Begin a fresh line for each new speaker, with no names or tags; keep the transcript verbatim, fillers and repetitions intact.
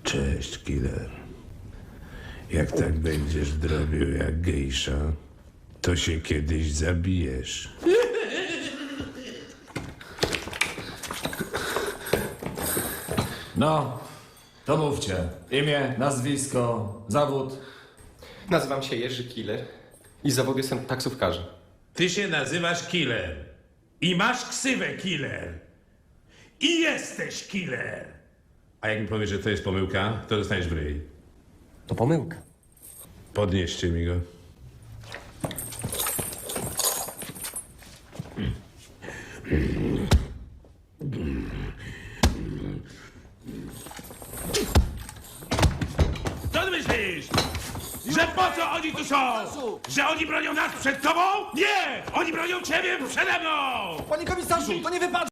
Cześć, killer. Jak tak będziesz drobił jak gejsza, to się kiedyś zabijesz.
No, to mówcie. Imię, nazwisko, zawód.
Nazywam się Jerzy Killer i z zawodu jestem taksówkarzem.
Ty się nazywasz killer. I masz ksywę killer. I jesteś killer. A jak mi powiesz, że to jest pomyłka, to dostaniesz w ryj.
To pomyłka.
Podnieście mi go. Co ty myślisz? Że po co oni tu są? Że oni bronią nas przed tobą? Nie! Oni bronią ciebie przede mną!
Panie komisarzu, to nie wypadł!